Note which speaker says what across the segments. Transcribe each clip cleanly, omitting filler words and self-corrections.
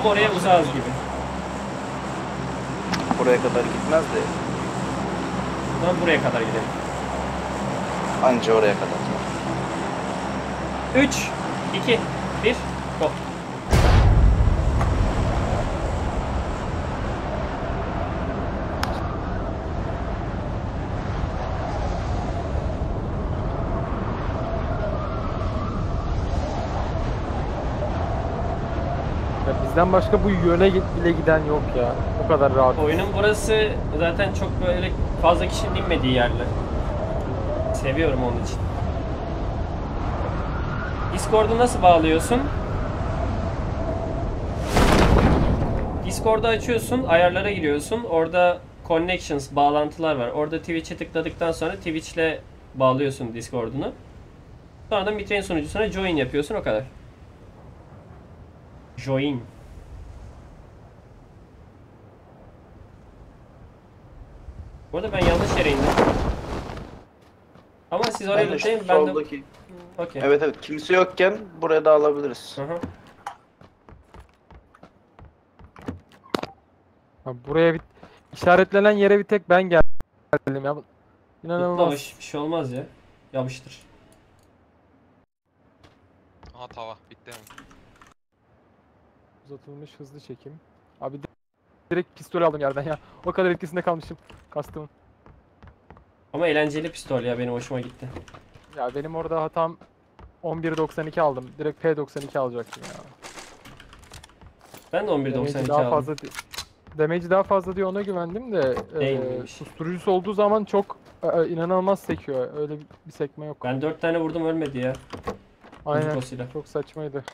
Speaker 1: Ama oraya uzağız gibi.
Speaker 2: Buraya kadar gitmez de.
Speaker 1: Buradan buraya kadar gidelim.
Speaker 2: Anca oraya kadar.
Speaker 1: 3, 2, 1, go.
Speaker 3: Ya bizden başka bu yöne bile giden yok ya. O kadar rahat.
Speaker 1: Oyunun burası zaten çok böyle fazla kişinin inmediği yerler. Seviyorum onun için. Discord'u nasıl bağlıyorsun? Discord'u açıyorsun, ayarlara giriyorsun. Orada connections, bağlantılar var. Orada Twitch'e tıkladıktan sonra Twitch'le bağlıyorsun Discord'unu. Sonra da Mitrain sunucusuna join yapıyorsun, o kadar. Join. Bu arada ben yanlış yere indim. Ama siz oraya
Speaker 2: Ben de
Speaker 1: lütfen,
Speaker 2: şu
Speaker 1: ben de...
Speaker 2: soldaki.
Speaker 1: Okey.
Speaker 2: Evet evet, kimse yokken buraya da alabiliriz.
Speaker 1: Hı hı.
Speaker 3: Ha, buraya bir işaretlenen yere bir tek ben geldim ya.
Speaker 1: Mutlu
Speaker 3: İnanılmaz.
Speaker 1: hoş, bir şey olmaz ya. Yapıştır.
Speaker 4: Aha tava bitti mi?
Speaker 3: Uzatılmış hızlı çekim. Abi direkt pistol aldım yerden ya. O kadar etkisinde kalmışım kastımın.
Speaker 1: Ama eğlenceli pistol ya, benim hoşuma gitti.
Speaker 3: Ya benim orada hatam 11.92 aldım. Direkt P92 alacaktım ya.
Speaker 1: Ben de
Speaker 3: Damage'i
Speaker 1: 11.92
Speaker 3: daha
Speaker 1: aldım.
Speaker 3: fazla Damage'i daha fazla diye ona güvendim de
Speaker 1: Değilmiş.
Speaker 3: susturucusu olduğu zaman çok inanılmaz sekiyor. Öyle bir sekme yok.
Speaker 1: Ben 4 tane vurdum, ölmedi ya.
Speaker 3: Aynen.
Speaker 1: Muzikosuyla.
Speaker 3: Çok saçmaydı.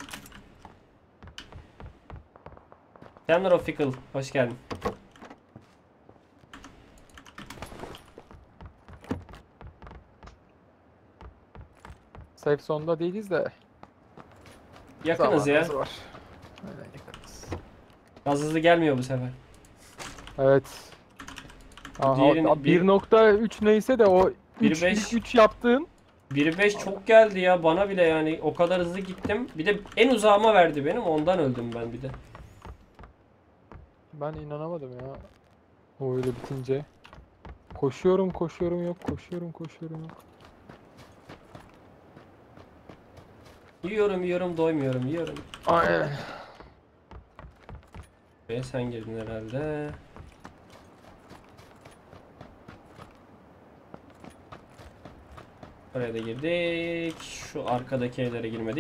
Speaker 1: Tamlar of Fickle, hoş geldin.
Speaker 3: Safe zone'da değiliz de
Speaker 1: Yakınız ya.
Speaker 3: zamanımız var. Aynen yakınız.
Speaker 1: Gaz hızlı gelmiyor bu sefer.
Speaker 3: Evet. Aha,
Speaker 1: Diğerini-
Speaker 3: 1.3 neyse de o 3
Speaker 1: 1.5
Speaker 3: 3 yaptığın
Speaker 1: 1.5 çok geldi ya bana bile, yani o kadar hızlı gittim. Bir de en uzağıma verdi benim, ondan öldüm ben bir de.
Speaker 3: ben inanamadım ya. O öyle bitince. Koşuyorum yok, koşuyorum yok.
Speaker 1: Yiyorum doymuyorum, yiyorum.
Speaker 3: Aynen.
Speaker 1: Ve sen girdin herhalde. Oraya da girdik. Şu arkadaki evlere girmedik.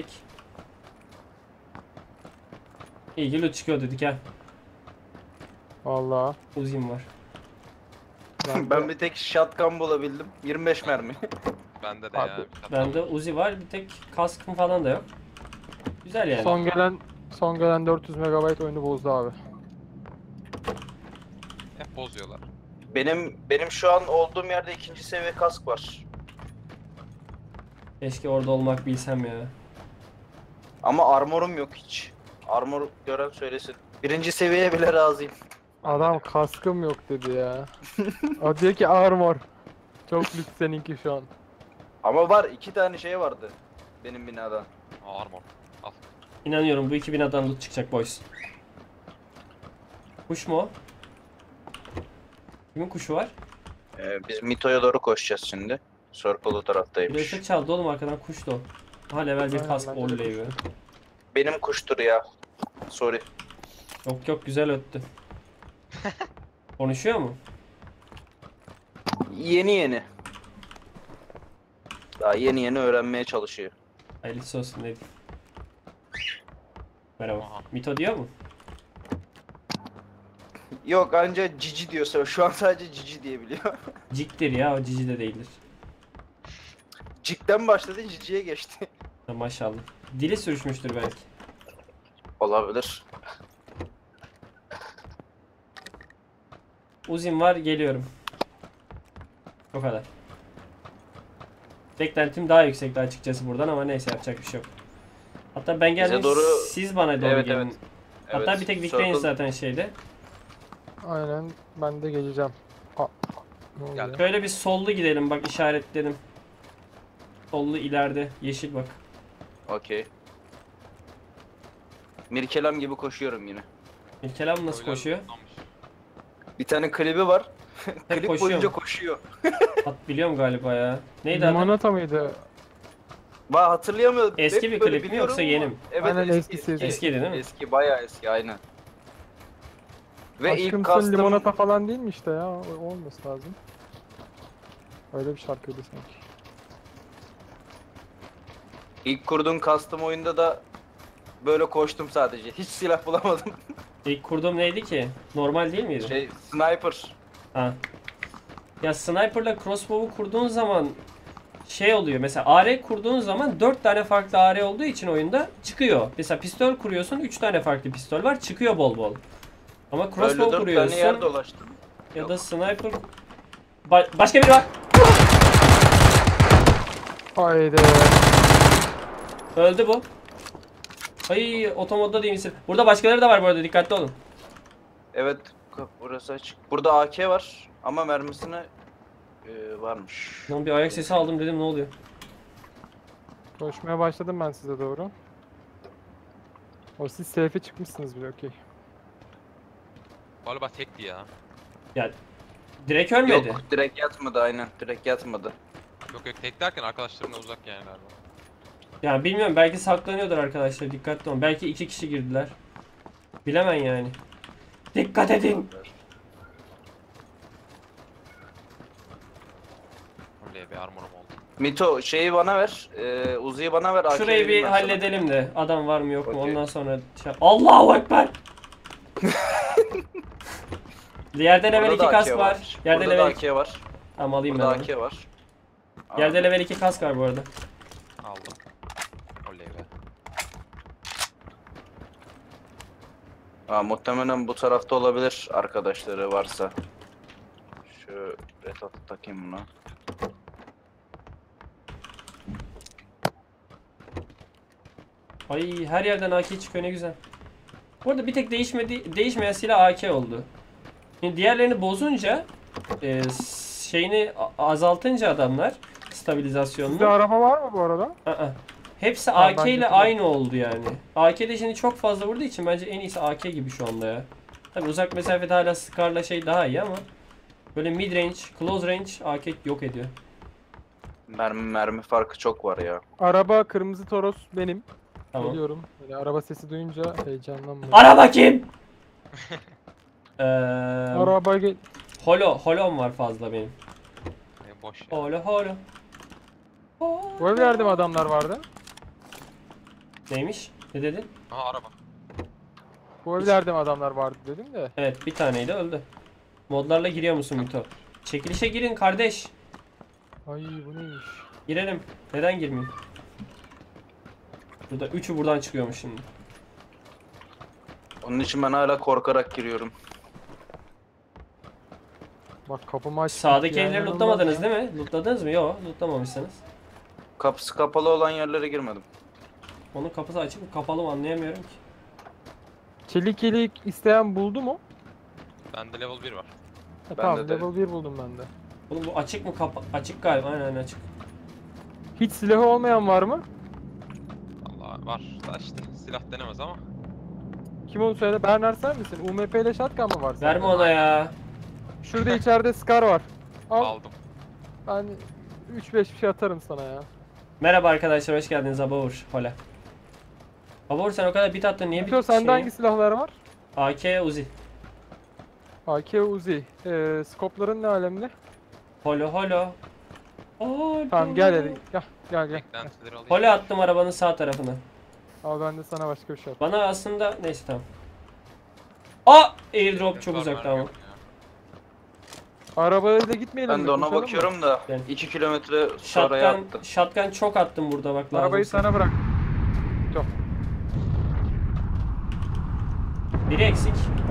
Speaker 1: İyi ki loot çıkıyor dedik ha.
Speaker 3: Vallahi.
Speaker 1: Uzim var.
Speaker 2: Ben bir tek shotgun bulabildim. 25 mermi.
Speaker 4: Bende de
Speaker 3: Abi,
Speaker 4: ya.
Speaker 1: Bende Uzi var, bir tek kaskım falan da yok. Güzel yani.
Speaker 3: Son gelen 400 MB oyunu bozdu abi.
Speaker 4: Hep bozuyorlar.
Speaker 2: Benim şu an olduğum yerde 2. seviye kask var.
Speaker 1: Keşke orada olmak bilsem ya.
Speaker 2: Ama armorum yok hiç. Armor gören söylesin. 1. seviyeye bile razıyım.
Speaker 3: Adam kaskım yok dedi ya. O diyor ki armor. Çok lüks seninki şu an.
Speaker 2: Ama var, 2 tane şey vardı benim binada.
Speaker 4: Aa, armor. Al.
Speaker 1: İnanıyorum bu 2000'den loot çıkacak boys. Kuş mu o? Kimin kuşu var?
Speaker 2: Biz Mito'ya doğru koşacağız şimdi. Circle o
Speaker 1: Bir
Speaker 2: taraftaymış.
Speaker 1: ışık çaldı oğlum arkadan, kuş da o. Aha level 1
Speaker 3: Aynen,
Speaker 1: kask,
Speaker 3: bence de
Speaker 1: oley be.
Speaker 2: Benim kuştur ya. Sorry.
Speaker 1: Yok güzel öttü. Konuşuyor mu?
Speaker 2: Yeni. Daha yeni öğrenmeye çalışıyor.
Speaker 1: Hayırlısı olsun, ne diyeyim. Merhaba.
Speaker 4: Aha.
Speaker 1: Mito diyor mu?
Speaker 2: Yok, anca cici diyorsa şu an sadece cici diyebiliyor.
Speaker 1: Ciktir ya, o cici de değildir.
Speaker 2: Cikten başladı, ciciye geçti.
Speaker 1: Ha, maşallah. Dili sürüşmüştür belki.
Speaker 2: Olabilir.
Speaker 1: Uzim var, geliyorum. O kadar. Beklentim daha yüksekti açıkçası buradan, ama neyse, yapacak bir şey yok. Hatta ben geldim,
Speaker 2: doğru-
Speaker 1: siz bana doğru
Speaker 2: Evet,
Speaker 1: gelin.
Speaker 2: evet.
Speaker 1: Hatta
Speaker 2: Evet,
Speaker 1: bir tek Victorine
Speaker 2: Circle-
Speaker 1: zaten şeyde.
Speaker 3: Aynen ben de geleceğim. Aa, ne oluyor?
Speaker 4: Geldim.
Speaker 1: Şöyle bir sollu gidelim, bak işaretledim. Sollu ileride, yeşil bak.
Speaker 2: Okey. Mirkelam gibi koşuyorum yine.
Speaker 1: İlkelam nasıl
Speaker 4: Öyle
Speaker 1: koşuyor?
Speaker 4: lootlanmış.
Speaker 2: Bir tane klibi var.
Speaker 1: Hep
Speaker 2: Klip
Speaker 1: koşuyor
Speaker 2: boyunca
Speaker 1: mu?
Speaker 2: koşuyor.
Speaker 1: Biliyorum galiba ya. Neydi adı?
Speaker 3: Limonata mıydı?
Speaker 2: Hatırlayamıyorum.
Speaker 1: Eski
Speaker 2: Hep
Speaker 1: bir
Speaker 2: böyle
Speaker 1: klip mi
Speaker 2: biliyorum
Speaker 1: yoksa
Speaker 2: ama-
Speaker 1: yeni mi?
Speaker 2: Evet,
Speaker 3: Aynen,
Speaker 2: eski.
Speaker 3: eskisi.
Speaker 1: Eskiydi değil mi?
Speaker 2: Eski, bayağı eski, aynen. Ve ilk
Speaker 3: Aşkımsın
Speaker 2: custom
Speaker 3: limonata falan değil mi işte ya? Olması lazım. Öyle bir şarkıydı sanki.
Speaker 2: ilk kurduğum custom oyunda da böyle koştum sadece. Hiç silah bulamadım.
Speaker 1: İlk kurduğum neydi ki? Normal değil miydi?
Speaker 2: Sniper.
Speaker 1: Ha. Ya sniper'la crossbow'u kurduğun zaman şey oluyor. Mesela AR kurduğun zaman 4 tane farklı AR olduğu için oyunda çıkıyor. Mesela pistol kuruyorsun, 3 tane farklı pistol var, çıkıyor bol bol. Ama
Speaker 2: Böyle
Speaker 1: crossbow
Speaker 2: 4 tane yer
Speaker 1: kuruyorsun
Speaker 2: dolaştım.
Speaker 1: ya da sniper başka biri var.
Speaker 3: Haydi.
Speaker 1: Öldü bu. Ay, otomodda değil misin? Burada başkaları da var bu arada, dikkatli olun.
Speaker 2: Evet, burası açık. Burada AK var ama mermisine varmış.
Speaker 1: Lan bir ayak sesi aldım, dedim ne oluyor?
Speaker 3: Koşmaya başladım ben size doğru. O siz safe'e çıkmışsınız bile, okey.
Speaker 4: Galiba tekti ya.
Speaker 1: Ya direkt ölmedi.
Speaker 2: Yok, direkt yatmadı, aynen. Direkt yatmadı.
Speaker 4: Yok tek derken arkadaşlarımla uzak yani galiba.
Speaker 1: Ya bilmiyorum, belki saklanıyordur arkadaşlar, dikkatli olun. Belki 2 kişi girdiler. Bilemem yani. Dikkat edin.
Speaker 4: Öyle bir armorum oldu.
Speaker 2: Mito şeyi bana ver. Uzi'yi bana ver. AK
Speaker 1: Şurayı bir
Speaker 2: vereyim ben sana.
Speaker 1: halledelim de adam var mı yok mu,
Speaker 2: Okey.
Speaker 1: ondan sonra Allahu Ekber. Yerde level
Speaker 2: Burada
Speaker 1: 2
Speaker 2: da
Speaker 1: kask
Speaker 2: AK
Speaker 1: var. Yerde
Speaker 2: Burada da
Speaker 1: level 2.
Speaker 2: AK var.
Speaker 1: Tamam, alayım
Speaker 2: Burada
Speaker 1: ben onu.
Speaker 2: AK var.
Speaker 1: Yerde level 2 kask var bu arada.
Speaker 4: Aldım. Oley be.
Speaker 2: Muhtemelen bu tarafta olabilir arkadaşları varsa. Şu red atı takayım buna.
Speaker 1: Ay, her yerden AK çıkıyor, ne güzel. Bu arada bir tek değişmeyen silah AK oldu. Şimdi diğerlerini bozunca şeyini azaltınca adamlar stabilizasyonunu.
Speaker 3: Sizde araba var mı bu arada?
Speaker 1: Hepsi
Speaker 3: Tamam,
Speaker 1: AK
Speaker 3: ben
Speaker 1: ile
Speaker 3: getireyim.
Speaker 1: aynı oldu yani. AK'de şimdi çok fazla vurduğu için bence en iyisi AK gibi şu anda ya. Tabi uzak mesafede hala Scar'la şey daha iyi ama böyle mid range, close range AK yok ediyor.
Speaker 2: Mermi farkı çok var ya.
Speaker 3: Araba kırmızı Toros benim.
Speaker 1: Tamam.
Speaker 3: Biliyorum. Böyle araba sesi duyunca heyecanlanmıyorum.
Speaker 1: Araba kim?
Speaker 3: Araba gel.
Speaker 1: Holom var fazla benim.
Speaker 4: Boş ya.
Speaker 1: Holo.
Speaker 3: Bu evlerde mi adamlar vardı?
Speaker 1: Neymiş? Ne dedin?
Speaker 4: Aha araba.
Speaker 3: Bu evlerde mi adamlar vardı dedim de.
Speaker 1: Evet, bir taneydi, öldü. Modlarla giriyor musun Mito? Çekilişe girin kardeş.
Speaker 3: Ay bu neymiş?
Speaker 1: Girelim. Neden girmeyeyim? Burada üçü buradan çıkıyormuş şimdi.
Speaker 2: Onun için ben hala korkarak giriyorum.
Speaker 3: Bak kapımı aç.
Speaker 1: Sağdaki evleri lootlamadınız değil mi? Lootladınız mı? Yok, lootlamamışsınız.
Speaker 2: Kapısı kapalı olan yerlere girmedim.
Speaker 1: Onun kapısı açık mı kapalı mı anlayamıyorum ki.
Speaker 3: Çelik isteyen buldu mu?
Speaker 4: Bende level 1 var.
Speaker 3: Tamam
Speaker 2: de.
Speaker 3: level 1 buldum ben de.
Speaker 1: Oğlum bu açık mı açık galiba, aynen açık.
Speaker 3: Hiç silahı olmayan var mı?
Speaker 4: Allah var. Da işte silah denemez ama.
Speaker 3: Kim onu söyle? Bernard sen misin? UMP ile shotgun mı var sende?
Speaker 1: Verme ona ya.
Speaker 3: Şurada içeride Scar var. Al.
Speaker 4: Aldım.
Speaker 3: Ben 3-5 bir şey atarım sana ya.
Speaker 1: Merhaba arkadaşlar, hoş geldiniz Abavur. Hola. Abavur, sen o kadar bit attın, niye
Speaker 3: Mito
Speaker 1: bit
Speaker 3: sende
Speaker 1: şey?
Speaker 3: hangi silahlar var?
Speaker 1: AK Uzi.
Speaker 3: AK Uzi. Skopların ne alemde?
Speaker 1: Holo.
Speaker 3: Tamam gel hadi. Gel.
Speaker 4: Beklentileri alayım.
Speaker 1: Holo attım arabanın sağ tarafına.
Speaker 3: Al ben de sana başka bir şey at.
Speaker 1: Bana aslında neyse tamam. Airdrop çok
Speaker 4: Var,
Speaker 1: uzakta
Speaker 4: mermi
Speaker 1: ama.
Speaker 4: yok ya.
Speaker 3: Arabayla giitmeyelim
Speaker 2: Ben
Speaker 3: mi?
Speaker 2: de ona
Speaker 3: Koşalım mı?
Speaker 2: bakıyorum da
Speaker 1: Gel.
Speaker 2: 2 kilometre sonraya attım.
Speaker 1: Shotgun çok attım burada, bak lazım.
Speaker 3: Arabayı sana bırak.
Speaker 1: Biri eksik.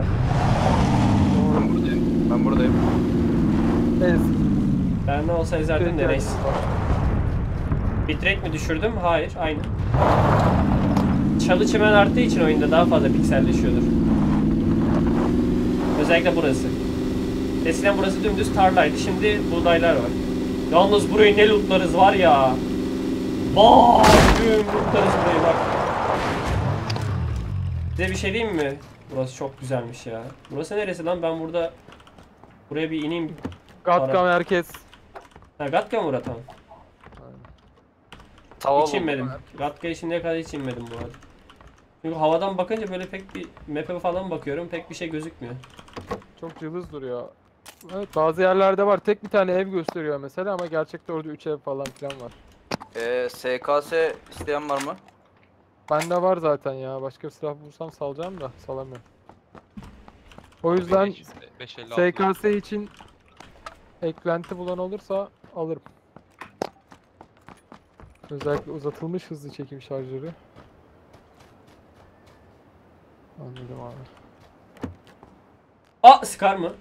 Speaker 2: Ben buradayım.
Speaker 3: Ez.
Speaker 1: Ben ne olsa ezerdim de neyse. Bitrate mi düşürdüm? Hayır, aynı. Çalı çimen arttığı için oyunda daha fazla pikselleşiyordur. Özellikle burası. Eskiden burası dümdüz tarlaydı, şimdi buğdaylar var. Yalnız burayı ne lootlarız var ya. Bak, lootlarız burayı bak. Size bir şey diyeyim mi? Burası çok güzelmiş ya. Burası neresi lan? Ben burada buraya bir ineyim.
Speaker 3: Gatka merkez.
Speaker 1: Ha, Gatka mı tamam.
Speaker 3: Aynen.
Speaker 2: Tava
Speaker 1: Hiç
Speaker 2: buldum.
Speaker 1: inmedim. Gatka'ya şimdiye kadar hiç inmedim bu arada. Çünkü havadan bakınca böyle pek bir map'e falan bakıyorum. Pek bir şey gözükmüyor.
Speaker 3: Çok cılız duruyor. Evet, bazı yerlerde var. Tek bir tane ev gösteriyor mesela ama gerçekte orada 3 ev falan filan var.
Speaker 2: SKS isteyen var mı?
Speaker 3: Bende var zaten ya. Başka bir silah bulsam salacağım da salamıyorum. O yüzden
Speaker 4: 556.
Speaker 3: SKS için eklenti bulan olursa alırım. Özellikle uzatılmış hızlı çekim şarjörü. Anladım abi.
Speaker 1: Aa, Scar mı?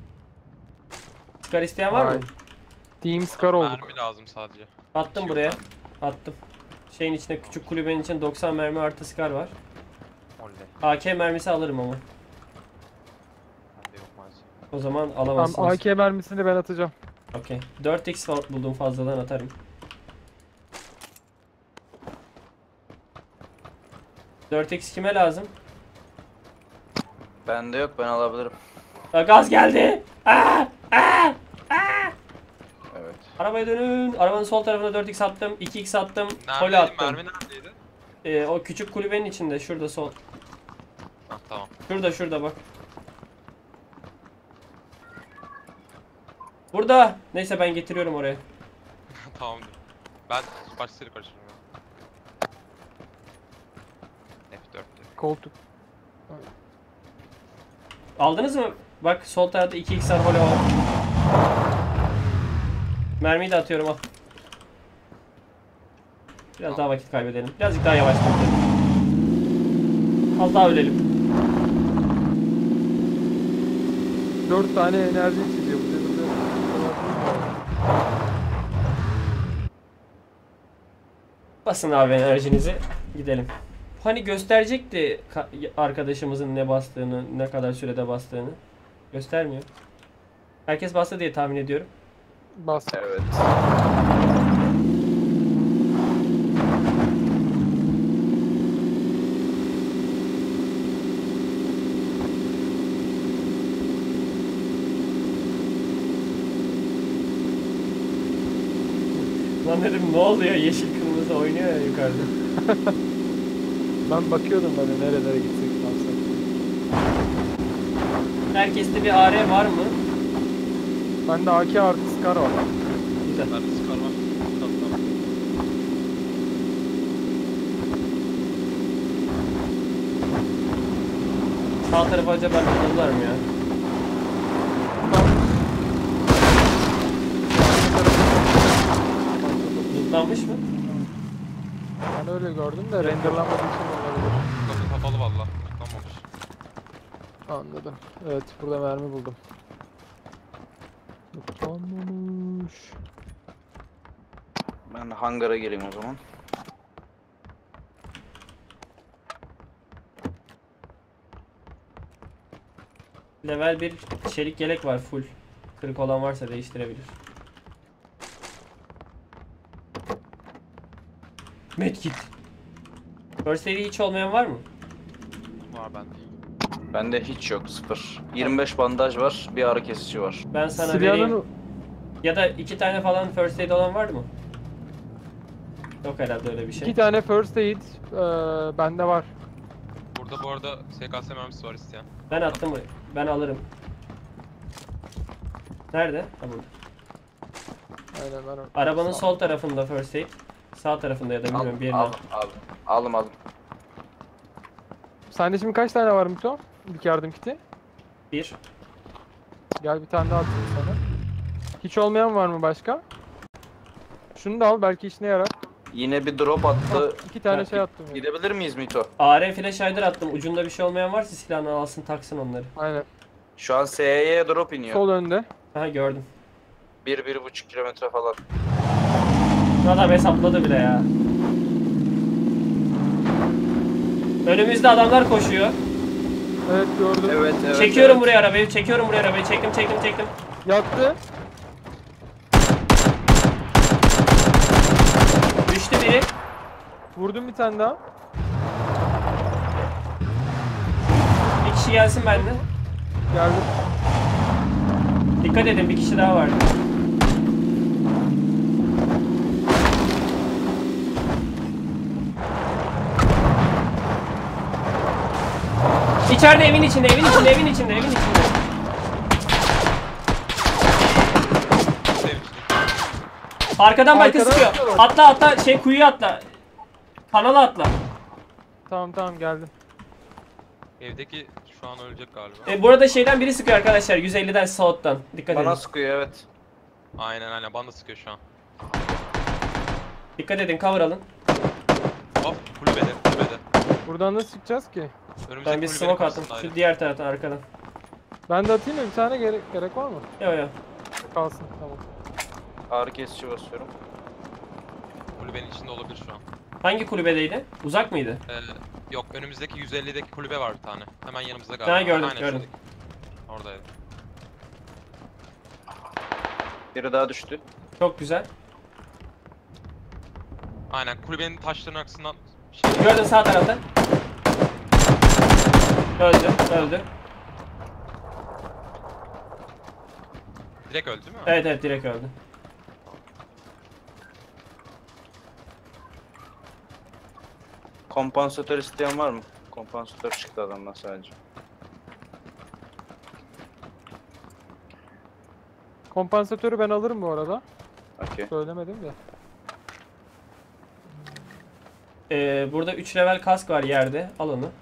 Speaker 1: Scar isteyen var mı?
Speaker 3: Hayır. Team Scar olduk.
Speaker 4: Mermi lazım sadece.
Speaker 1: Attım
Speaker 4: Hiç
Speaker 1: buraya.
Speaker 4: yok
Speaker 1: Attım. Şeyin içinde, küçük kulübenin içinde 90 mermi artı Scar var.
Speaker 4: Oley.
Speaker 1: AK mermisi alırım ama.
Speaker 4: Bende yok maalesef.
Speaker 1: O zaman
Speaker 3: Tamam,
Speaker 1: alamazsınız.
Speaker 3: AK mermisini ben atacağım.
Speaker 1: Okey. 4x buldum, fazladan atarım. ...4x kime lazım?
Speaker 2: Bende yok, ben alabilirim.
Speaker 1: Aa, gaz geldi! Aa! Aa!
Speaker 2: Evet.
Speaker 1: Arabaya dönün. Arabanın sol tarafına 4x attım. 2x attım. Pole
Speaker 4: Neredeydi?
Speaker 1: attım.
Speaker 4: Mermi neredeydi?
Speaker 1: O küçük kulübenin içinde. Şurada sol.
Speaker 4: Ha tamam.
Speaker 1: Şurada bak. Burada. Neyse ben getiriyorum oraya.
Speaker 4: Tamamdır. Ben başlarıyla karıştırıyorum. F4'te.
Speaker 3: Koltuk.
Speaker 1: Aldınız mı? Bak sol tarafta 2x var. Holo var. Mermiyi de atıyorum, al. Biraz daha vakit kaybedelim. Birazcık daha yavaş gidelim. Az daha ölelim.
Speaker 3: 4 tane enerji içeceği bu devirde.
Speaker 1: Basın abi enerjinizi. Gidelim. Hani gösterecekti arkadaşımızın ne bastığını, ne kadar sürede bastığını. Göstermiyor. Herkes bastı diye tahmin ediyorum.
Speaker 3: Bas.
Speaker 2: Evet.
Speaker 1: Lan dedim ne oluyor? Yeşil kırmızı oynuyor ya yukarıda.
Speaker 3: Ben bakıyordum böyle nerelere gitsek ne yapsak.
Speaker 1: Herkeste bir AR var mı?
Speaker 3: Bende AK artı Scar var.
Speaker 1: Güzel.
Speaker 4: Ben de Scar var. Tamam tamam.
Speaker 1: Sağ tarafa acaba bakıldılar mı ya? Lootlanmış mı?
Speaker 3: Ben öyle gördüm de renderlanmadığı için olabilir.
Speaker 4: Kapı kapalı valla. Tıklanmamış.
Speaker 3: Anladım. Evet, burada mermi buldum. Tutamamış.
Speaker 2: Ben hangara gireyim o zaman.
Speaker 1: Level 1 çelik yelek var full. Kırık olan varsa değiştirebilir. Medkit. First aid'i hiç olmayan var mı?
Speaker 4: Var bende.
Speaker 2: Bende hiç yok, 0. 25 bandaj var, bir ağrı kesici var.
Speaker 1: Ben sana vereyim.
Speaker 3: Silyanın
Speaker 1: Ya da 2 tane falan first aid olan var mı? Yok herhalde öyle bir şey.
Speaker 3: 2 tane first aid bende var.
Speaker 4: Burada bu arada SKS mermisi var isteyen.
Speaker 1: Ben attım. Ben alırım. Nerede? Ha, burada.
Speaker 3: Aynen ben
Speaker 1: Arabanın
Speaker 3: Sağ-
Speaker 1: sol tarafında first aid. Sağ tarafında ya da bilmiyorum bir yerine.
Speaker 2: Aldım.
Speaker 3: Sende şimdi kaç tane var Mito? İlk yardım kiti.
Speaker 1: 1.
Speaker 3: Gel bir tane daha atayım sana. Hiç olmayan var mı başka? Şunu da al, belki işine yarar.
Speaker 2: Yine bir drop attı.
Speaker 3: 2 tane
Speaker 1: Ha,
Speaker 3: şey attım. Ya.
Speaker 2: Gidebilir miyiz Mito?
Speaker 1: AR flash hider attım. Ucunda bir şey olmayan varsa silahını alsın taksın onları.
Speaker 3: Aynen.
Speaker 2: Şu an SE'ye drop iniyor.
Speaker 3: Sol önde.
Speaker 1: Aha gördüm.
Speaker 2: 1-1,5 kilometre falan.
Speaker 1: Adam hesapladı bile ya. Önümüzde adamlar koşuyor.
Speaker 3: Evet gördüm.
Speaker 2: Evet.
Speaker 1: Çekiyorum
Speaker 2: evet.
Speaker 1: buraya arabayı. Çekiyorum buraya arabayı. Çektim.
Speaker 3: Yattı.
Speaker 1: Düştü biri.
Speaker 3: Vurdum bir tane daha.
Speaker 1: kişi gelsin benden.
Speaker 3: Geldim.
Speaker 1: Dikkat edin, bir kişi daha var. İçeride, evin içinde, evin içinde, evin içinde, evin içinde.
Speaker 4: Sevmiş.
Speaker 1: Arkadan belki
Speaker 3: Arkadan
Speaker 1: sıkıyor.
Speaker 3: sıkıyorlar.
Speaker 1: Atla atla, kuyuya atla. Kanala atla.
Speaker 3: Tamam geldim.
Speaker 4: Evdeki şu an ölecek galiba.
Speaker 1: Burada şeyden biri sıkıyor arkadaşlar, 150'den South'tan. Dikkat
Speaker 2: Bana
Speaker 1: edin.
Speaker 2: sıkıyor evet.
Speaker 4: Aynen bana da sıkıyor şu an.
Speaker 1: Dikkat edin, cover alın.
Speaker 4: Hop kulübede.
Speaker 3: Buradan nasıl çıkacağız ki?
Speaker 4: Önümüzdeki
Speaker 1: Ben bir
Speaker 4: kulübenin
Speaker 1: smoke attım.
Speaker 4: karşısındaydı.
Speaker 1: Şu diğer taraftan, arkadan.
Speaker 3: Ben de atayım mı? Bir tane gerek var mı?
Speaker 1: Yo.
Speaker 3: Kalsın tamam.
Speaker 2: Ağrı kesici basıyorum.
Speaker 4: Kulübenin içinde olabilir şu an.
Speaker 1: Hangi kulübedeydi? Uzak mıydı?
Speaker 4: Yok önümüzdeki 150'deki kulübe var bir tane. Hemen yanımızda galiba.
Speaker 1: Ha, gördüm,
Speaker 4: Aynen,
Speaker 1: gördüm.
Speaker 4: şuradaki. Oradaydı.
Speaker 2: Biri daha düştü.
Speaker 1: Çok güzel.
Speaker 4: Aynen kulübenin taşlarının arkasından
Speaker 1: Gördün sağ tarafta. Öldü.
Speaker 4: direkt öldü değil mi?
Speaker 1: Evet, direkt öldü.
Speaker 2: Kompansatör isteyen var mı? Kompansatör çıktı adamdan sadece.
Speaker 3: Kompansatörü ben alırım bu arada.
Speaker 2: Okey.
Speaker 3: Söylemedim de.
Speaker 1: Burada 3 level kask var yerde. Al onu.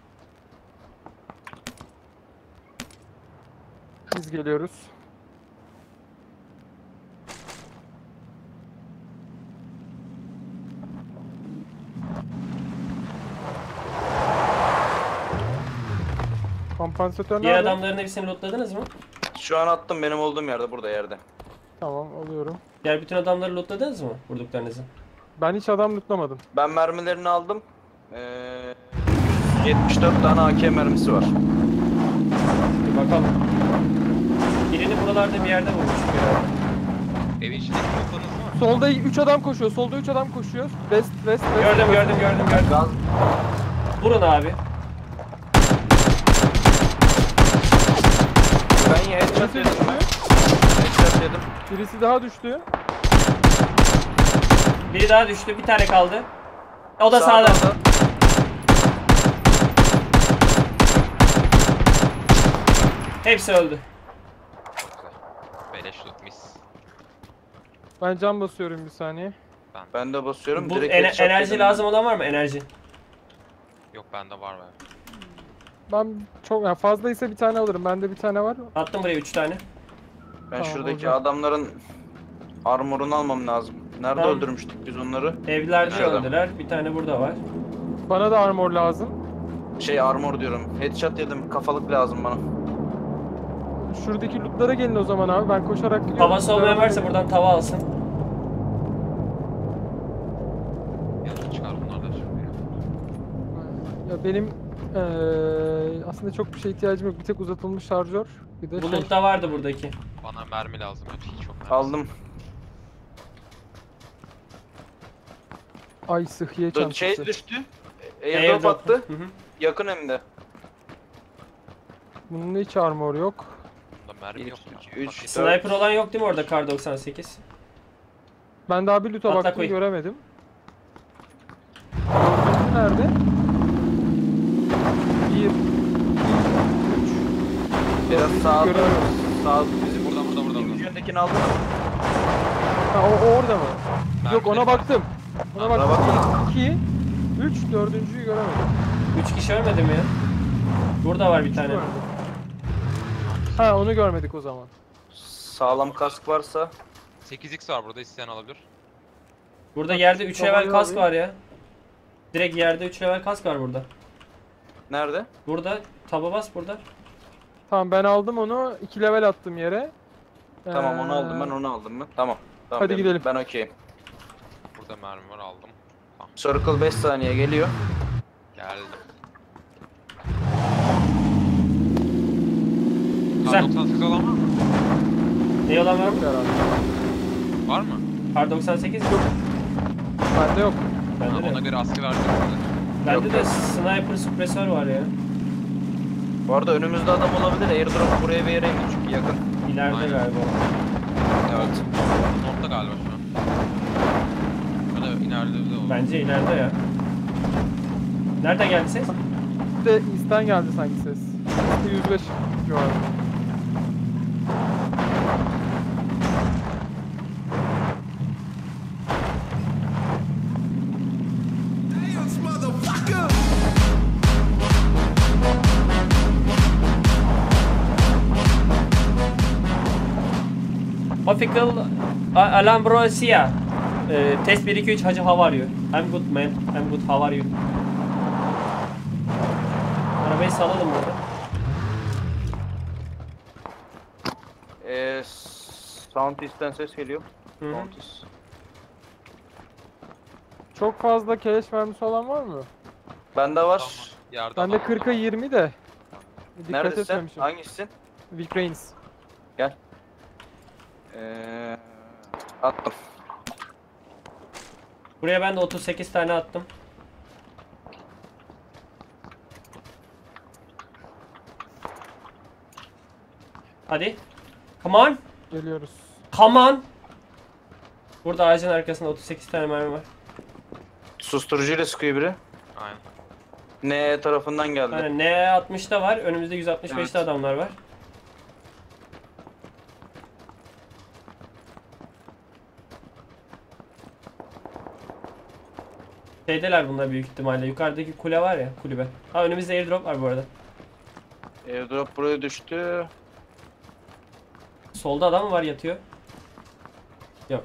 Speaker 3: Biz geliyoruz. Kompansatör
Speaker 1: Diğer
Speaker 3: nerede?
Speaker 1: adamların hepsini lootladınız mı?
Speaker 2: Şu an attım benim olduğum yerde burada yerde.
Speaker 3: Tamam alıyorum.
Speaker 1: Diğer bütün adamları lootladınız mı? Vurduklarınızı.
Speaker 3: Ben hiç adam lootlamadım.
Speaker 2: Ben mermilerini aldım. 74 tane AK mermisi var.
Speaker 1: Bir bakalım. Birini buralarda bir yerde vurmuş.
Speaker 4: Evin içindeki mutlarınız var.
Speaker 3: Solda 3 adam koşuyor. Solda 3 adam koşuyor. West.
Speaker 1: Gördüm.
Speaker 2: Gaz
Speaker 1: Vurun abi.
Speaker 2: ben headshot yedim ben. Headshot yedim.
Speaker 3: Birisi daha düştü.
Speaker 1: Biri daha düştü. Bir tane kaldı. O da sağda. Hepsi öldü.
Speaker 4: Çok güzel. Beleş loot mis.
Speaker 3: Ben cam basıyorum bir saniye.
Speaker 2: Ben de basıyorum.
Speaker 1: Bu
Speaker 2: Direkt headshot
Speaker 1: enerji
Speaker 2: yedim.
Speaker 1: lazım olan var mı? Enerji.
Speaker 4: Yok bende var be.
Speaker 3: Ben çok yani fazlaysa bir tane alırım. Bende bir tane var.
Speaker 1: Attım buraya 3 tane.
Speaker 2: Ben
Speaker 3: Tamam,
Speaker 2: şuradaki
Speaker 3: olacak.
Speaker 2: adamların armorunu almam lazım. Nerede
Speaker 1: Tamam.
Speaker 2: öldürmüştük biz onları?
Speaker 1: Evlerde
Speaker 2: Şurada.
Speaker 1: öldüler. Bir tane burada var.
Speaker 3: Bana da armor lazım.
Speaker 2: Şey armor diyorum. Headshot yedim. Kafalık lazım bana.
Speaker 3: Şuradaki lootlara gelin o zaman abi. Ben koşarak gidiyorum.
Speaker 1: Tavası olmayan varsa buradan tava alsın.
Speaker 4: Yarın çıkar bunlar da şimdi.
Speaker 3: Ya benim aslında çok bir şeye ihtiyacım yok. Bir tek uzatılmış şarjör. Bir de şey.
Speaker 1: Bulut da vardı buradaki.
Speaker 4: Bana mermi lazım. Hiç yok mermi.
Speaker 2: Aldım.
Speaker 3: Ay sıhhiye
Speaker 2: Şey
Speaker 3: çantası.
Speaker 2: düştü. Airdrop attı.
Speaker 1: Hı hı.
Speaker 2: Yakın hem de.
Speaker 3: Bunun hiç armor yok.
Speaker 4: Bunda mermi
Speaker 2: 1,
Speaker 4: yok
Speaker 2: 2,
Speaker 4: ya.
Speaker 2: 3, 4.
Speaker 1: Sniper olan yok değil mi orada Kar 98?
Speaker 3: Ben daha bir loot'a
Speaker 1: Atla
Speaker 3: baktım
Speaker 1: koy.
Speaker 3: göremedim. Dördüncü nerede? 1, 2, 3.
Speaker 2: Biraz sağda.
Speaker 3: Göremiyorum.
Speaker 2: Sağ bizim
Speaker 4: Burada.
Speaker 2: İkinci yöndekini aldın mı?
Speaker 3: Ha o orada mı? Yok ona
Speaker 4: Mermileri
Speaker 3: baktım. Ona
Speaker 2: Ona
Speaker 3: baktım.
Speaker 2: bakma.
Speaker 3: 2, 3, dördüncüyü göremedim.
Speaker 1: 3 kişi ölmedi mi ya? Burada var bir tane.
Speaker 3: Göremedim. Ha onu görmedik o zaman.
Speaker 2: Sağlam kask varsa
Speaker 4: 8x var burada isteyen alabilir.
Speaker 1: Burada yerde 3
Speaker 3: Tavayı
Speaker 1: level kask
Speaker 3: alayım.
Speaker 1: var ya. Direkt yerde 3 level kask var burada.
Speaker 2: nerede?
Speaker 1: Burada taba bas burada.
Speaker 3: Tamam ben aldım onu. 2 level attım yere.
Speaker 2: Tamam onu aldım ben onu aldım mı? Tamam. Tamam
Speaker 3: Hadi gidelim.
Speaker 2: Ben okeyim.
Speaker 4: Burada mermi var aldım. Tamam
Speaker 2: Circle 5 saniye geliyor.
Speaker 4: geldim.
Speaker 1: Güzel.
Speaker 4: 98 olan var mı?
Speaker 1: Ne olan var
Speaker 3: Yok
Speaker 1: mı?
Speaker 3: herhalde.
Speaker 4: Var mı?
Speaker 1: Kar 98 mi?
Speaker 3: Bende yok.
Speaker 1: Bende
Speaker 4: Ona
Speaker 1: de.
Speaker 4: göre asker harcayabilir.
Speaker 1: Bende de sniper suppressor var ya.
Speaker 2: Bu arada önümüzde adam olabilir. Airdrop buraya bir yere indi çünkü yakın.
Speaker 1: İleride
Speaker 4: Aynen.
Speaker 1: galiba.
Speaker 2: Evet.
Speaker 4: North'ta galiba şu an. Ya da ileride o.
Speaker 1: Bence ileride ya. Nereden geldi ses?
Speaker 3: Bir de East'ten geldi sanki ses. 105 civarı.
Speaker 1: Official Alambrosia. Test 1 2 3 Hacı, how are you? I'm good man. I'm good. How are you? Arabayı salalım burada.
Speaker 2: Sound East'ten ses geliyor.
Speaker 1: Hı hı.
Speaker 2: Sound East.
Speaker 3: Çok fazla keleş mermisi olan var mı?
Speaker 2: Bende var.
Speaker 4: Tamam. Yerde
Speaker 3: Bende
Speaker 4: adam
Speaker 3: 40'a 20 de. Dikkat
Speaker 2: Neredesin?
Speaker 3: etmemişim.
Speaker 2: Hangisisin?
Speaker 3: Vic Reigns.
Speaker 2: Attım.
Speaker 1: Buraya ben de 38 tane attım. Hadi. Come on.
Speaker 3: Geliyoruz.
Speaker 1: Come on. Burada ağacın arkasında 38 tane mermi var.
Speaker 2: Susturucuyla sıkıyor biri.
Speaker 4: Aynen.
Speaker 2: Ne tarafından geldi?
Speaker 1: Aynen, N60'da var. Önümüzde 165'te
Speaker 2: Evet.
Speaker 1: adamlar var. Şeydeler bunlar büyük ihtimalle. Yukarıdaki kule var ya, kulübe. Ha, önümüzde airdrop var bu arada.
Speaker 2: Airdrop buraya düştü.
Speaker 1: Solda adam mı var, yatıyor? Yok.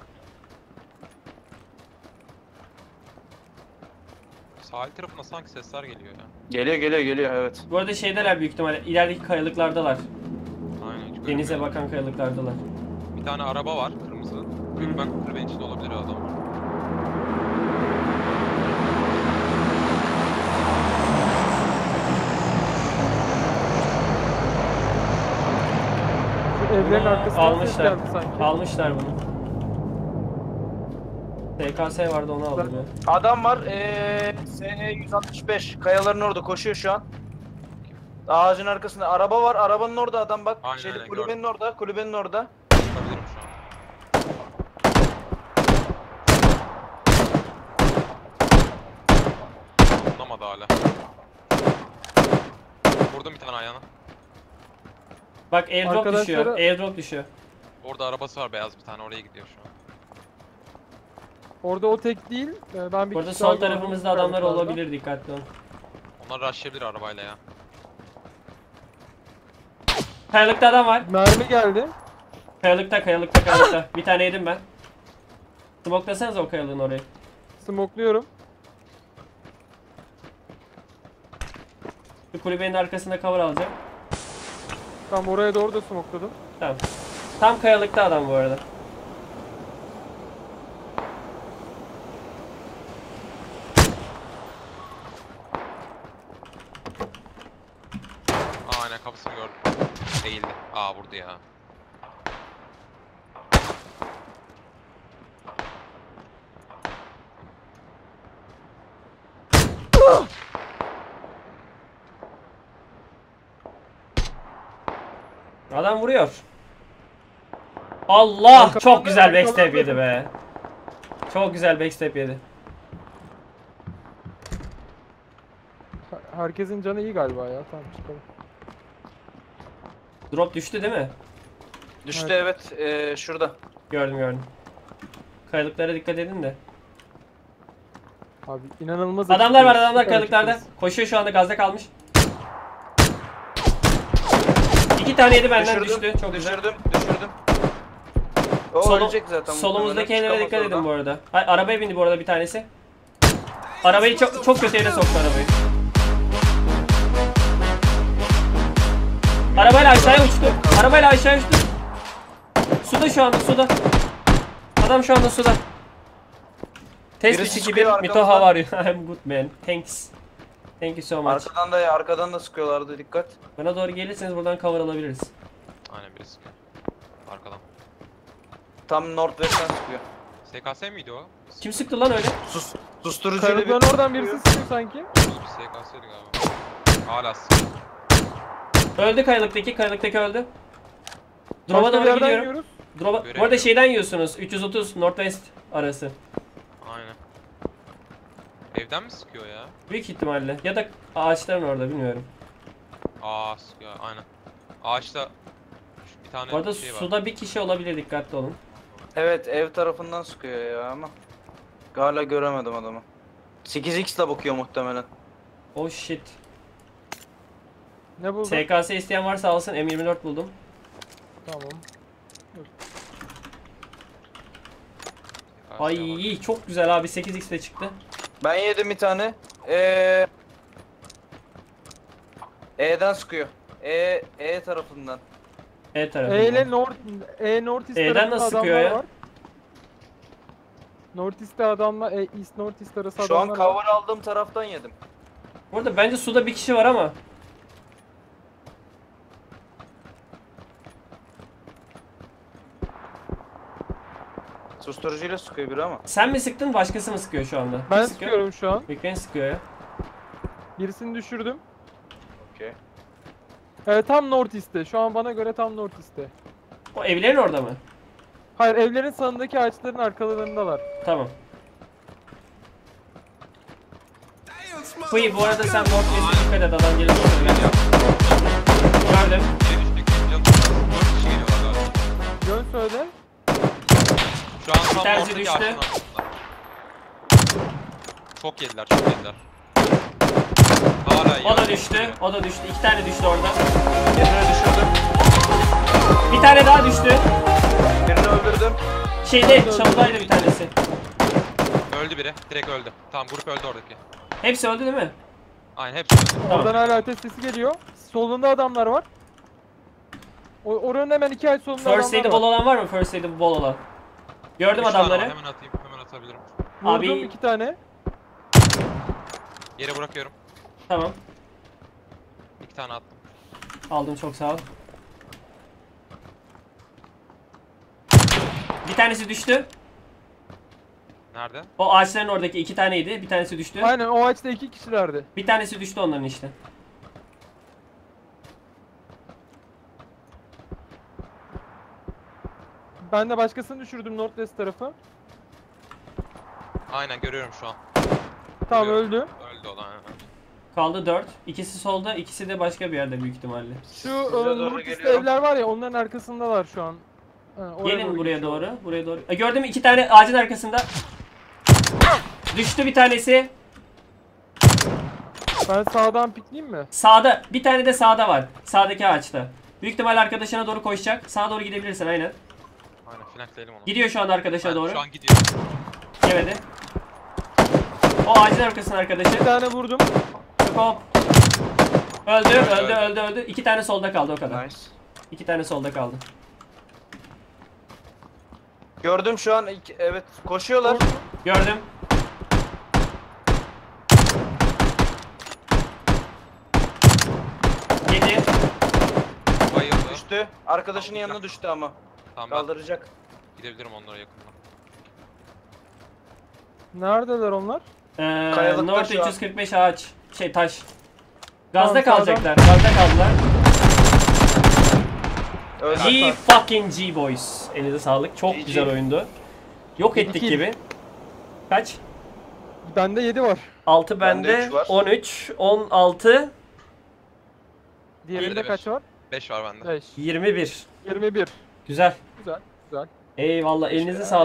Speaker 4: Sahil tarafına sanki sesler geliyor ya.
Speaker 2: Geliyor evet.
Speaker 1: Bu arada şeydeler büyük ihtimalle. İlerideki kayalıklardalar.
Speaker 4: Aynen. Hiç
Speaker 1: Denize
Speaker 4: görünmüyor.
Speaker 1: bakan kayalıklardalar.
Speaker 4: Bir tane araba var kırmızı. Büyük ben kulübenin içinde olabilir o adam.
Speaker 3: Şu evlerin
Speaker 1: Bunu
Speaker 3: arkasından ses
Speaker 1: almışlar.
Speaker 3: geldi sanki.
Speaker 1: Almışlar bunu. TKS vardı, onu aldım ya.
Speaker 2: Adam var. SE 165. Kayaların orada koşuyor şu an. Ağacın arkasında araba var. Arabanın orada adam bak.
Speaker 4: Aynen, aynen,
Speaker 2: Kulübenin orada. Kulübenin orada.
Speaker 4: Bakabilirim şu an. Anlamadı hala. Vurdum bir tane ayağına.
Speaker 1: Bak airdrop
Speaker 3: Arkadaşlara-
Speaker 1: düşüyor. Airdrop düşüyor.
Speaker 4: Orada arabası var beyaz bir tane oraya gidiyor şu an.
Speaker 3: Orada o tek değil. Ben bir
Speaker 1: Burada
Speaker 3: kişi daha
Speaker 1: sol
Speaker 3: gördüm
Speaker 1: tarafımızda adamlar
Speaker 3: yukarıda.
Speaker 1: olabilir, dikkatli olun.
Speaker 4: Onlar rushlayabilir arabayla ya.
Speaker 1: Kayalıkta adam var.
Speaker 3: Mermi geldi.
Speaker 1: Kayalıkta. Bir tane yedim ben. Smoklasanız o kayalığın orayı.
Speaker 3: Smokluyorum.
Speaker 1: Şu kulübenin arkasında cover alacağım.
Speaker 3: Tam oraya doğru da smokladım.
Speaker 1: Tamam. Tam kayalıkta adam bu arada.
Speaker 4: Aa aynen kafasını gördüm. Değildi. Aa vurdu ya.
Speaker 1: Adam vuruyor. Allah!
Speaker 3: Arkadan
Speaker 1: Çok
Speaker 3: da-
Speaker 1: güzel backstep
Speaker 3: arkadan da-
Speaker 1: yedi be. Çok güzel backstep yedi.
Speaker 3: Herkesin canı iyi galiba ya. Tamam çıkalım.
Speaker 1: Drop düştü değil mi?
Speaker 2: Düştü evet. Şurada.
Speaker 1: Gördüm. Kayalıklara dikkat edin de.
Speaker 3: Abi inanılmaz.
Speaker 1: Adamlar var,
Speaker 3: açıkçası.
Speaker 1: adamlar
Speaker 3: Süper
Speaker 1: kayalıklarda.
Speaker 3: açıkçası.
Speaker 1: Koşuyor şu anda, gazda kalmış. 2 tane yedi benden, düştü. Çok güzel.
Speaker 2: Düşürdüm. O
Speaker 1: Solu-
Speaker 2: ölecek zaten.
Speaker 1: Solumuzdaki
Speaker 2: muhtemelen,
Speaker 1: evlere dikkat
Speaker 2: çıkamaz
Speaker 1: edin bu
Speaker 2: oradan.
Speaker 1: arada. Hayır, arabaya bindi bu arada bir tanesi. Arabayı çok kötü yere soktu arabayı. Arabayla aşağıya uçtu. Suda şu anda, suda. Adam şu anda suda. Test
Speaker 2: Birisi
Speaker 1: 3
Speaker 2: sıkıyor
Speaker 1: 2-1. Mito,
Speaker 2: arkamızdan.
Speaker 1: how are you? I'm good man. Thanks. Thank you so much.
Speaker 2: Arkadan da sıkıyorlardı, dikkat.
Speaker 1: Bana doğru gelirseniz buradan cover alabiliriz.
Speaker 4: Aynen biri sıkıyor. Arkadan.
Speaker 2: Tam Northwest'ten sıkıyor.
Speaker 4: SKS miydi o?
Speaker 1: Kim sıktı lan öyle?
Speaker 2: Susturucuyla
Speaker 3: Kayalıkların oradan birisi sıkıyor sanki.
Speaker 4: Bir SKS'ydi galiba. Hala sıkıyor.
Speaker 1: Öldü kayalıktaki öldü. Drop'a
Speaker 3: Başka bir
Speaker 1: doğru
Speaker 3: yerden
Speaker 1: gidiyorum.
Speaker 3: yiyoruz.
Speaker 1: Drop'a... Bu arada
Speaker 4: Göremiyorum.
Speaker 1: şeyden yiyorsunuz. 330 Northwest arası.
Speaker 4: Aynen. Evden mi sıkıyor ya?
Speaker 1: Büyük ihtimalle. Ya da ağaçların orada bilmiyorum.
Speaker 4: Aa sıkıyor aynen. Ağaçta bir tane
Speaker 1: Bu arada
Speaker 4: şey var.
Speaker 1: suda bir kişi olabilir, dikkatli olun.
Speaker 2: Evet ev tarafından sıkıyor ya ama. Hala göremedim adamı. 8x ile bakıyor muhtemelen.
Speaker 1: Oh shit.
Speaker 3: Ne buldun?
Speaker 1: SKS isteyen varsa alsın, M24 buldum.
Speaker 3: Tamam.
Speaker 1: Ay çok güzel abi, 8x de çıktı.
Speaker 2: Ben yedim bir tane. E'den sıkıyor. E tarafından.
Speaker 1: E tarafında.
Speaker 3: E ile North East
Speaker 1: E'den
Speaker 3: tarafında
Speaker 1: nasıl sıkıyor
Speaker 3: adamlar
Speaker 1: ya?
Speaker 3: var. North East'te adamlar, East North East arası
Speaker 2: Şu an
Speaker 3: adamlar var.
Speaker 2: cover aldığım taraftan yedim.
Speaker 1: Burada bence suda bir kişi var ama.
Speaker 2: Susturucuyla sıkıyor biri ama.
Speaker 1: Sen mi sıktın, başkası mı sıkıyor şu anda?
Speaker 3: Ben
Speaker 1: Kim sıkıyor?
Speaker 3: sıkıyorum şu an.
Speaker 1: Bekleyin, sıkıyor ya.
Speaker 3: Birisini düşürdüm.
Speaker 2: Okey.
Speaker 3: Tam North East'te. Şu an bana göre tam North East'te.
Speaker 1: O evlerin orada mı?
Speaker 3: Hayır, evlerin sağındaki ağaçların arkalarındalar.
Speaker 1: Tamam. Fıy, bu arada sen Northwest'e dikkat et, adam gelir. Gördüm.
Speaker 4: Biri düştü. Canım. 4 kişi geliyorlar galiba.
Speaker 3: Yön söyle.
Speaker 4: Şu an tam
Speaker 1: tanesi
Speaker 4: ortadaki
Speaker 1: düştü.
Speaker 4: ağaçın arkasında. Çok yediler, çok yediler. Hala iyi.
Speaker 1: O da düştü. O da düştü. 2 tane düştü orada.
Speaker 2: Birini düşürdüm.
Speaker 1: Bir tane daha düştü.
Speaker 2: Birini öldürdüm.
Speaker 1: Şeyde, çalıdaydı bir tanesi.
Speaker 4: Öldü biri. Direkt öldü. Tamam grup öldü oradaki.
Speaker 1: Hepsi öldü değil mi?
Speaker 4: Aynen hepsi öldü.
Speaker 1: Tamam.
Speaker 3: Oradan hala ateş sesi geliyor. Solunda adamlar var. Oranın hemen 2 ay solunda
Speaker 1: First
Speaker 3: adamlar
Speaker 1: aid'i bol
Speaker 3: var.
Speaker 1: olan var mı? First aid'i bol olan. Gördüm
Speaker 4: Üç tane var,
Speaker 1: adamları.
Speaker 4: hemen atayım, hemen atabilirim.
Speaker 3: Vurdum
Speaker 1: Abi-
Speaker 3: 2 tane.
Speaker 4: Yere bırakıyorum.
Speaker 1: Tamam.
Speaker 4: 2 tane attım.
Speaker 1: Aldım, çok sağ ol. Bir tanesi düştü.
Speaker 4: Nerede?
Speaker 1: O ağaçların oradaki 2 taneydi. Bir tanesi düştü.
Speaker 3: Aynen, o ağaçta 2 kişilerdi.
Speaker 1: Bir tanesi düştü onların işte.
Speaker 3: Ben de başkasını düşürdüm Northwest tarafı.
Speaker 4: Aynen görüyorum şu an.
Speaker 3: Tamam,
Speaker 4: Görüyorum.
Speaker 3: öldü.
Speaker 4: Öldü o da aynen.
Speaker 1: Kaldı 4. İkisi solda, ikisi de başka bir yerde büyük ihtimalle.
Speaker 3: Şu
Speaker 2: Size doğru
Speaker 3: Northwest'te
Speaker 2: geliyorum.
Speaker 3: evler var ya, onların arkasındalar şu an. Oraya
Speaker 1: Gelin buraya
Speaker 3: geçiyorlar.
Speaker 1: doğru. Buraya doğru. Gördüm, 2 tane ağacın arkasında. Düştü bir tanesi.
Speaker 3: Ben sağdan pikleyeyim mi?
Speaker 1: Sağda. Bir tane de sağda var. Sağdaki ağaçta. Büyük ihtimal arkadaşına doğru koşacak. Sağa doğru gidebilirsin aynen.
Speaker 4: Aynen flankleyelim onu.
Speaker 1: Gidiyor şu anda arkadaşa
Speaker 4: Aynen,
Speaker 1: doğru.
Speaker 4: Şu an gidiyor.
Speaker 1: Yemedi. O ağacın arkasının arkadaşı.
Speaker 3: Bir tane vurdum.
Speaker 1: Hop. Öldü,
Speaker 4: Öldü,
Speaker 1: öldü. 2 tane solda kaldı o kadar.
Speaker 2: Nice.
Speaker 1: 2 tane solda kaldı.
Speaker 2: Gördüm şu an. Evet koşuyorlar.
Speaker 1: Gördüm. Yedi.
Speaker 4: Bayıldı.
Speaker 2: Düştü. Arkadaşının yanına düştü ama.
Speaker 4: Tamam ben
Speaker 2: Kaldıracak.
Speaker 4: gidebilirim onlara yakından.
Speaker 3: Neredeler onlar?
Speaker 2: Kayalıklar
Speaker 1: North
Speaker 2: şu an.
Speaker 1: 345 ağaç. Taş. Gazda
Speaker 3: Tamam,
Speaker 1: kalacaklar. Gazda kaldılar.
Speaker 2: Öldü.
Speaker 1: G fucking G boys. Elinize sağlık. Çok
Speaker 2: GG.
Speaker 1: güzel oyundu. Yok ettik
Speaker 3: İki.
Speaker 1: gibi. Kaç?
Speaker 3: Bende 7 var.
Speaker 1: 6
Speaker 2: Bende
Speaker 1: bende.
Speaker 2: üç var.
Speaker 1: 13, 16,
Speaker 3: Diğerinde
Speaker 4: Bende
Speaker 3: kaç var?
Speaker 4: 5 var bende.
Speaker 3: 5.
Speaker 1: 21.
Speaker 3: 21.
Speaker 1: Güzel.
Speaker 3: Güzel. Güzel.
Speaker 1: Eyvallah. Elinize sağlık.